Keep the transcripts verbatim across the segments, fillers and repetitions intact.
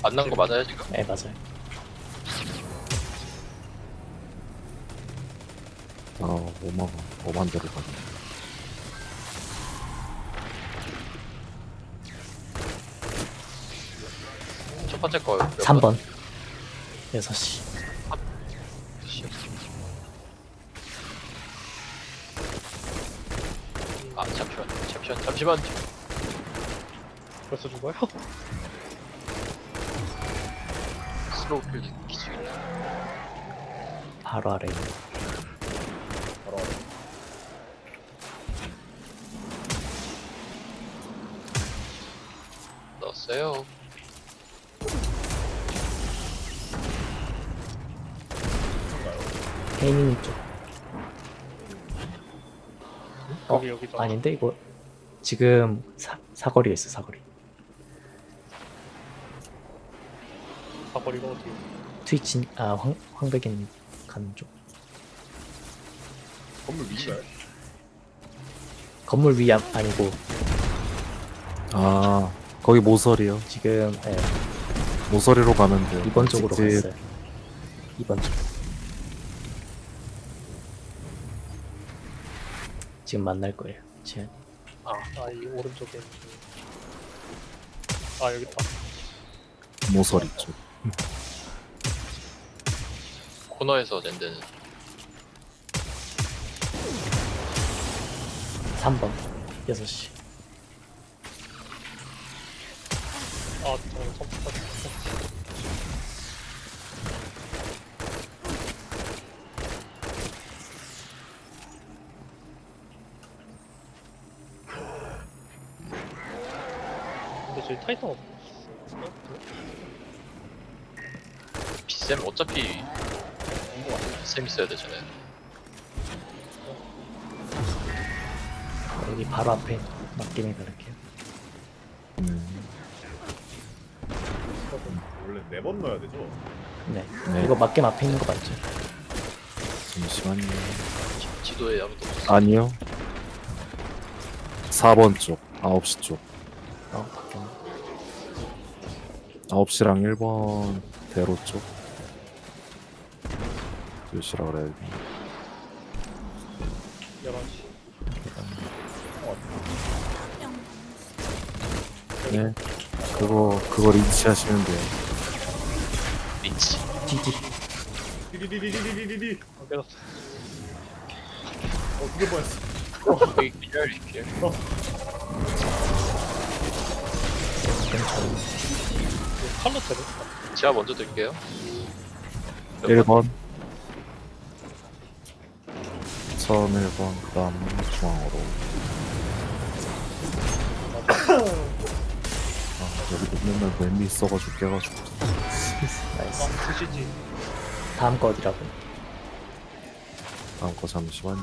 만난 거 맞아요 지금? 네 맞아요. 아, 오만 원, 오만 대로 가네. 첫 번째 거 몇 삼 번? 번 여섯 시. 씨. 아 잠시만 잠시만 잠시만 벌써 죽어요? 슬로우 필드 기술 바로 아래. 바로 넣었어요. 케이님 쪽. 어, 여기 여기죠. 아닌데 이거 지금 사, 사거리에 있어 사거리. 사거리가 어디? 트위치 아황 황백인 가는 쪽. 건물 위인가요? 건물 위 아, 아니고 아, 거기 모서리요. 지금 예, 모서리로 가면 돼요. 이번 쪽으로 직진. 갔어요. 이번 쪽. 지금 만날 거예요. 지금 아, 아, 이 오른쪽에. 있는 거. 아, 여기 있다. 모서리 쪽. 코너에서 낸데는 삼 번 여섯 시. 아, 저거 컴퓨터. 근데 저기 타이탄 없어. 비쌤 어차피 쌤 있어야 되잖아요. 여기 바로 앞에 맡김이 그럴게요. 음, 원래 네 번 넣어야 되죠? 네. 네. 이거 맡김 앞에 있는 거 맞죠? 잠시만요. 지- 지도에 아무도 없어. 아니요. 사 번 쪽, 아홉 시 쪽. 어 맡김. 아홉 시랑 일 번 대로 쪽. 몇 시라 그래야 돼? 열한 시. 네. 그거, 그걸 인치하시면 돼요. 리치. 디디. 디디디디디디디디. 안 깨졌어. 어, 그게 뭐였어? 여기 기절 기절. 괜찮아. 이거 칼로 때려? 제가 먼저 들게요. 몇 일 번? 번. 처음 일 번, 그 다음 중앙으로. 아, 여기도 맨날 맵이 있어가지고 깨가지고. 나이스. 아, 드시지. 다음 거 어디라고? 다음 거 잠시만요.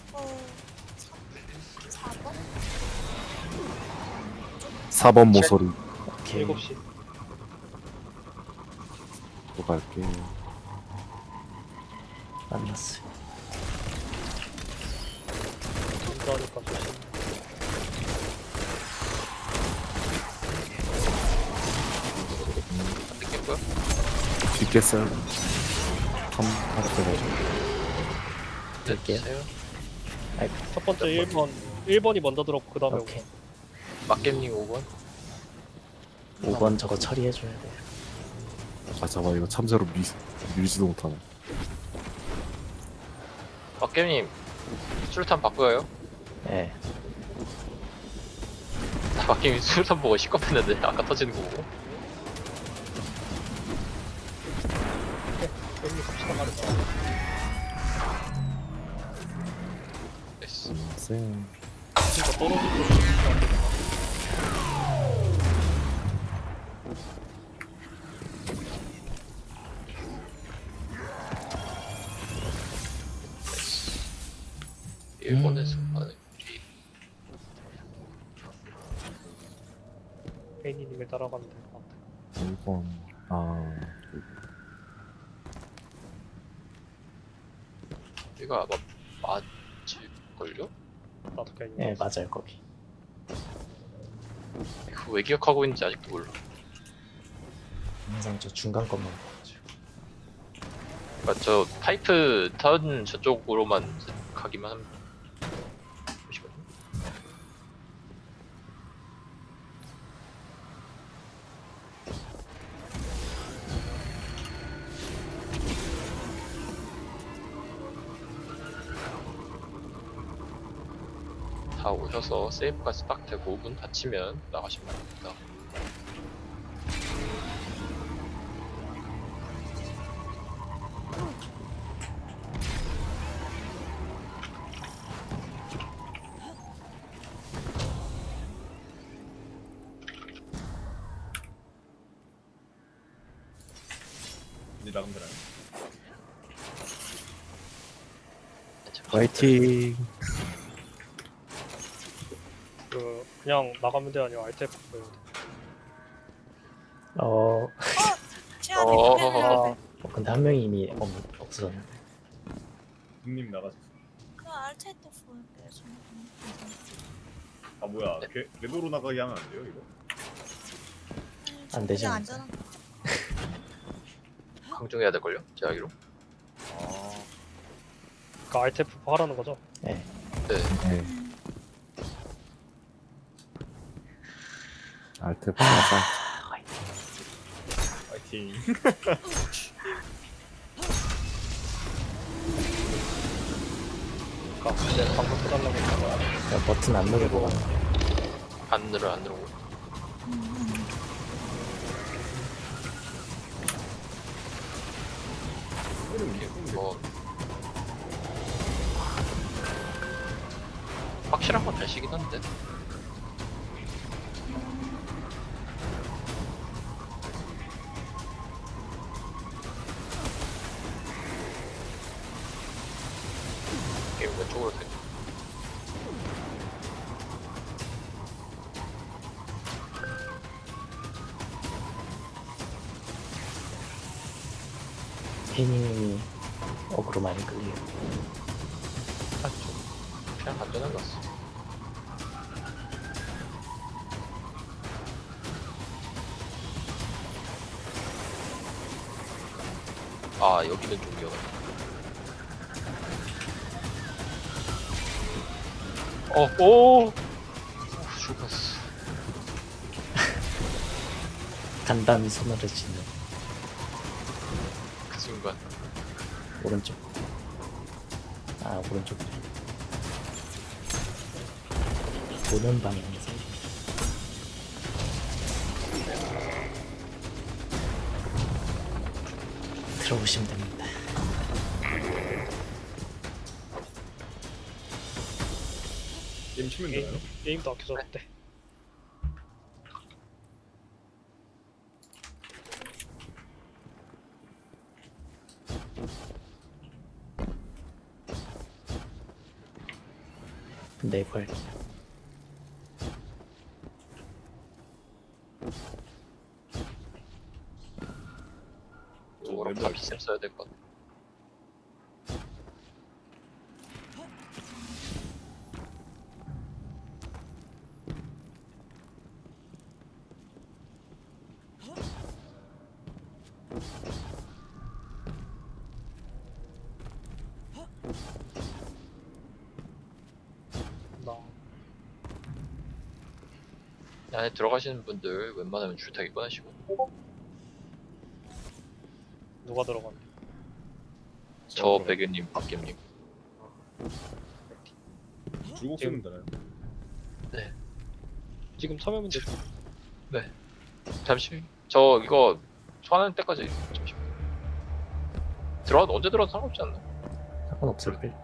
사 번 모서리 오케이. 일곱 시. 또 갈게요. 만났어요. 인도하니까 조심. 안 듣겠고요. 뒷겠어요. 한, 하나 빼가지고. 들게요. 됐어요. 아이고. 첫 번째 일 번. 일 번이 먼저 들었고, 그 다음에 오케이. 막겜님 오 번. 오 번 저거 처리해줘야 돼. 아, 잠깐, 이거 참새로 미, 밀지도 못하네. 막겜님 술탄 바꿔요. 예. 나 막겜이 술탄 보고 시겁했는데 아까 터지는 거 보고. 여기 갑시다 말했다. 됐어. 쌤. 진짜 떨어지고. 일본에서 하는 게 페이니님을 따라가면 될 것 같아. 일 번, 아, 우리가 아마 맞을걸요? 나도 그냥 예 맞아요 거기. 그거 왜 기억하고 있는지 아직도 몰라. 항상 저 중간 것만 봐가지고. 그러니까 저 파이프 턴 저쪽으로만 가기만 하면 보시거든요. 다 오셔서 세이브가 딱 되고 문 닫히면 나가시면 됩니다. 이제 나가면 되나요? 화이팅. 그 그냥 나가면 돼 아니면 알트 에프 보여야 돼? 어, 최악의 어. 패배를 어 근데 한 명이 이미 없, 없어졌는데. 님 나가셨어. 그 알트 에프 보여요. 저는. 아 뭐야? 궤, 궤도로 나가게 하면 안 돼요 이거? 안 되지 그냥 않을까요? 안전한 강중해야 될걸요? 제 알기로? 아 그 알트 에프 하라는 거죠? 네. 네. 네. 알트 플러스 파이팅. 그니까 이제 방금 해달라고 했다가 그냥 버튼 안 누르고 안 늘어 안 늘어고. 뭐 확실한 건 달시긴 한데. 게임 왼쪽으로 돼. 혜님이 어그로 많이 끌려요. 아, 좀 그냥 안전한 것 같아. 아, 여기는 좀 위험하다. 어, 오! 죽었어. 간단히 손을 쥐는 그 순간. 오른쪽. 아 오른쪽. 보는 방향에서. 들어오시면 됩니다. 게임 치면 되나요? 게임, 게임도 안 켜졌대. 네 걸. 이거랑 다 비쌤 써야 될 것 같아. 나 이 안에 들어가시는 분들 웬만하면 줄타기 꺼내시고. 누가 들어갔네. 저 백유님, 박겸님. 줄고 쓰면 되나요? 지금 참여면 되죠. 잠시 저 이거 소환하는 때까지 잠시만. 들어와도 언제 들어와도 상관없지 않나? 상관없을 걸.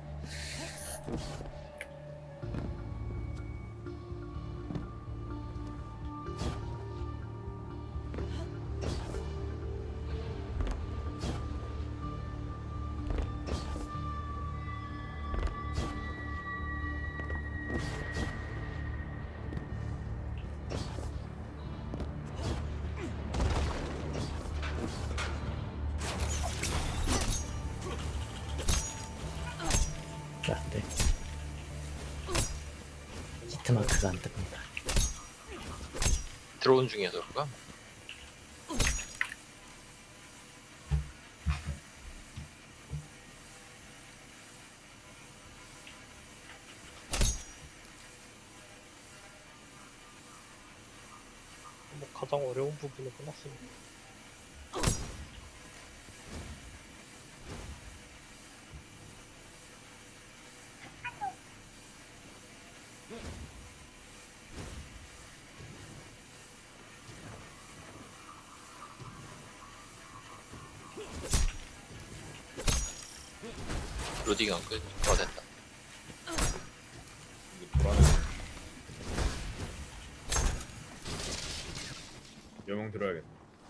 안 돼. 히트마크가 안 뜹니다. 들어온 중이어서 그런가? 가장 어려운 부분은 끝났습니다. 로딩 안 끝. 어 됐다. 이거 불안해. 여명 들어야겠다.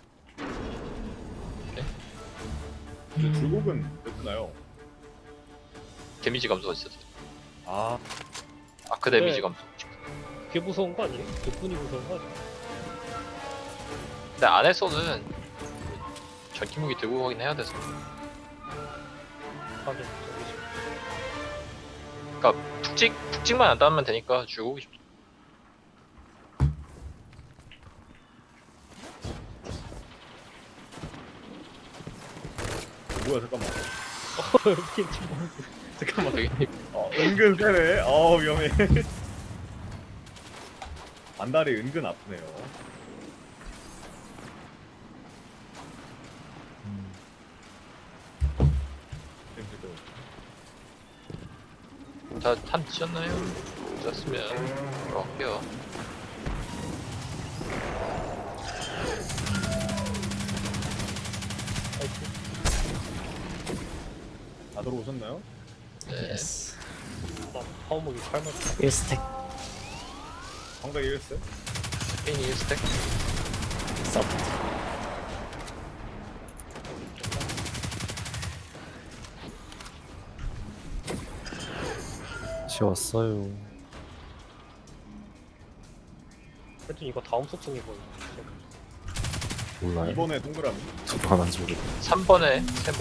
오케이. 저 줄곡은 몇 나요? 데미지 감소가 있었어. 아, 아크 데미지 네. 감소. 그게 무서운 거 아니에요? 그뿐이 무서운 거 아니에요? 근데 안에서는 전기 무기 들고 가긴 해야 돼서. 하긴 저기지. 그러니까 푹찍 푹찍만 안 따면 되니까 줄곡이 좋. 뭐야 잠깐만. 이게 좀 잠깐만. 되게 어, 은근 세네. 어 위험해. 안달이 은근 아프네요. 음, 땡기도. 다탄 드셨나요? 드셨으면 들어갈게요. 다 들어오셨나요? 네. 예스. 나 파워목이 팔만 일 스택 상당히 이랬어요? 페인이 일 스택. 서브. 지웠어요. 하여튼 이거 다음 소통이 뭐예요? 몰라요. 이번에 동그라미. 저도 안 한지 모르겠. 삼 번에 세모.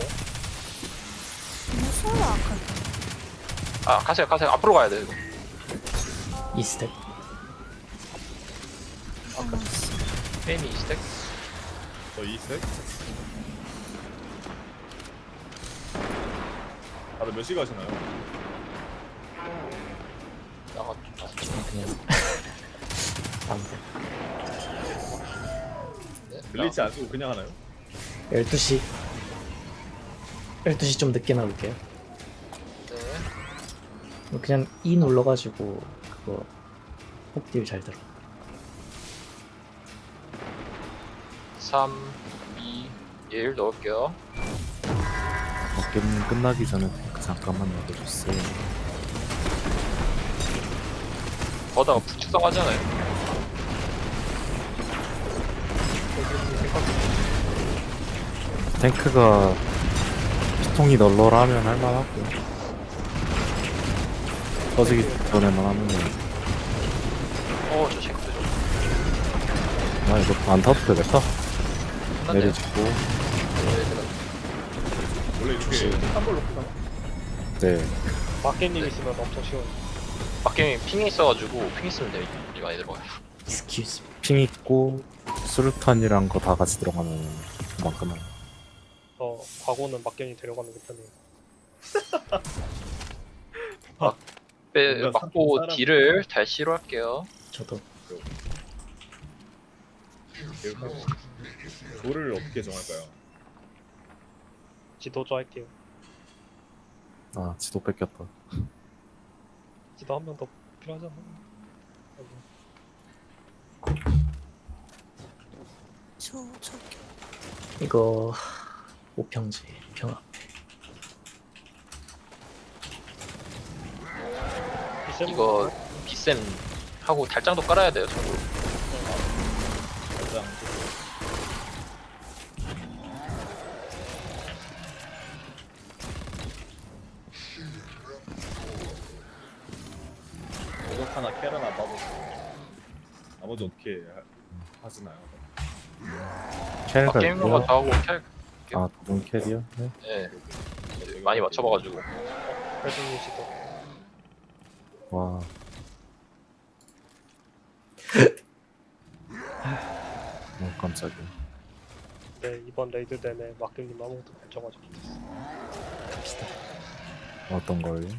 무서워 아까. 아 가세요 가세요. 앞으로 가야 돼 이거. 이 스택. 페인이 이 스택. 저 이색. 다들 몇 시가 하시나요? 나가. 그냥 방금 네, 블리치 안 쓰고 그냥 하나요? 열두 시 열두 시 좀 늦게 나올게요. 네. 그냥 E 눌러가지고 그거 폭딜 잘 들어. 삼, 이, 일 넣을게요. 게임 끝나기 전에 탱크 잠깐만 넣어주세요. 거다가 부축성하잖아요. 탱크가 피통이 널널하면 할만하고 터지기 전에만 하면 어, 저 체크 좀. 아 이거 안 타도 되겠다. 끝났네요. 내리치고 네, 제가 원래 이렇게 한 걸로 끝나? 네 마켓님 있으면 엄청 쉬워요. 밖에 핑이 있어가지고 핑 있으면 데미지 많이 들어가요. Excuse me. 핑 있고 수류탄이랑 거 다 같이 들어가면 금방 끝나요. 저 과거는 막견이 데려가는 게 편해요. 빼, 뭔가 맞고 사람- 딜을 달시로 할게요. 저도 이렇게 돌을 어떻게 정할까요? 지도조 할게요. 아 지도 뺏겼다. 지도 한 명 더 필요하잖아. 저 저기. 이거 오평지 평화. 이거 비쌤 하고 달장도 깔아야 돼요. 저거. 가장 오덕 하나 캐 하나 나머지 나머지 어떻게 하, 하시나요? 캐리가 밖에 있는 거 있고요. 다 하고 캘. 아 두분 캐리요? 네. 예. 많이 맞춰봐가지고. 회중님 지도. 와 너무 깜짝이야. 네, 이번 레이드 내내 막견님 아무것도 결정하지 못했어. 갑시다. 어떤 걸요?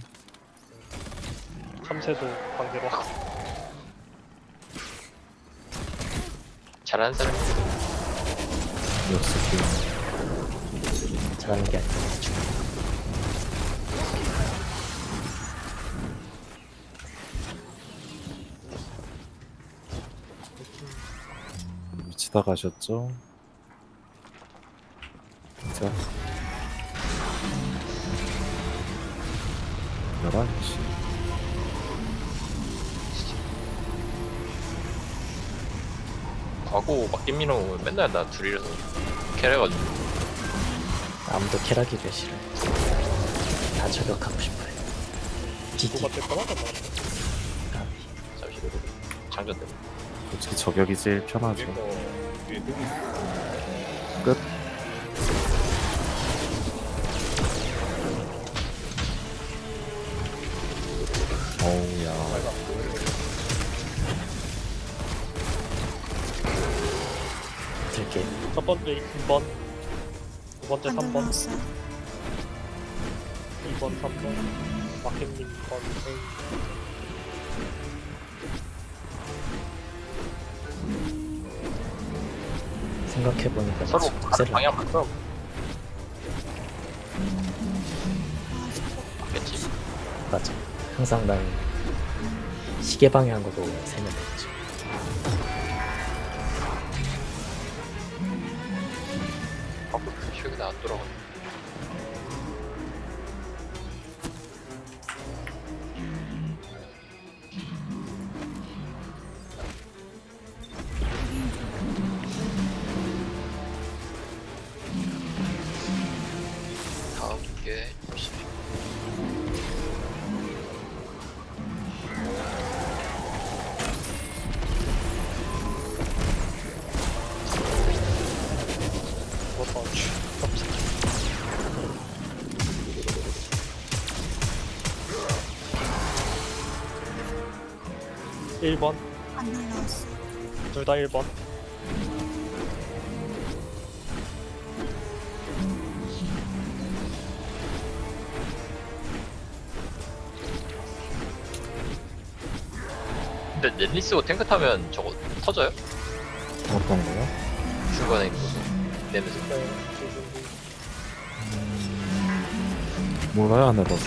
참새도 강제로 하고. 잘하는 사람이 역시 게임. 잘하는 게 아니라 대충. 미치다 가셨죠? 자. 열한 시. 과거 막김민호 맨날 나 둘이라서 캐래가지고 아무도 캐라기를 싫어. 다 저격하고 싶어요. 지지. 누가 뗄 거나 나 잠시 그래도 장전 때문에 솔직히 저격이 제일 편하죠. 위에 거 위에 똥이 있어. 끝. 어우야. 들게. 첫 번째 이 번, 두 번째 안 삼 번, 들어왔어요. 이 번, 삼 번, 마켓님 건, 생각해보니까 서로 지금 가는 독세를 방향 바꿔 맞겠지. 맞아. 항상 난 시계 방향으로 세면 되지. 바꿔 최근에 안 돌아가. 다음 게 열심히. 그것도 일 번, 안 날라왔어. 둘 다 일 번. 근데 넷리스고 탱크 타면 저거 터져요? 어떤 거요? 중간에 있는 거 내면서. 네, 지금 몰라요, 안 해봐서.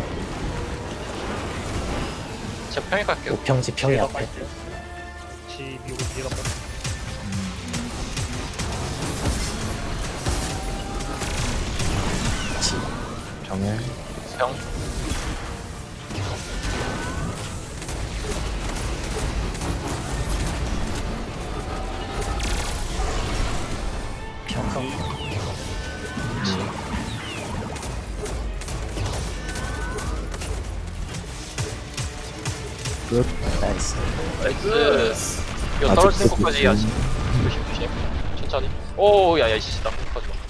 제가 평일 갈게요. 우평지 평이 뒤에다 앞에. 갈게요. 지 미국 뒤에다 갈게요. 지. 병에 평. 평. 끝. 나이스. 나이스. 이거 아직도 떨어지는 것까지 그- 아직 조심 조심. 천천히. 오, 야야 씨, 나 하지 마.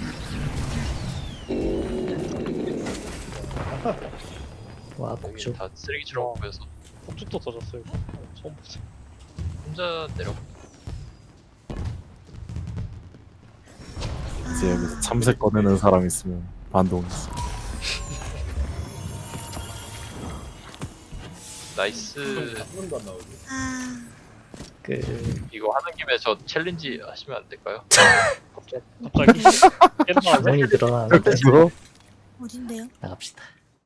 와 복주. 다 쓰레기처럼 보여서 폭죽도 터졌어요. 처음 보세요. 혼자 내려. 이제 여기서 참새 꺼내는 사람 있으면 반동했어. 나이스. 한 번도 안 나오지. 아, 그 이거 하는 김에 저 챌린지 하시면 안 될까요? 갑자기, 갑자기 옛날에 주문이 늘어나는데 그거 어딘데요? 나갑시다.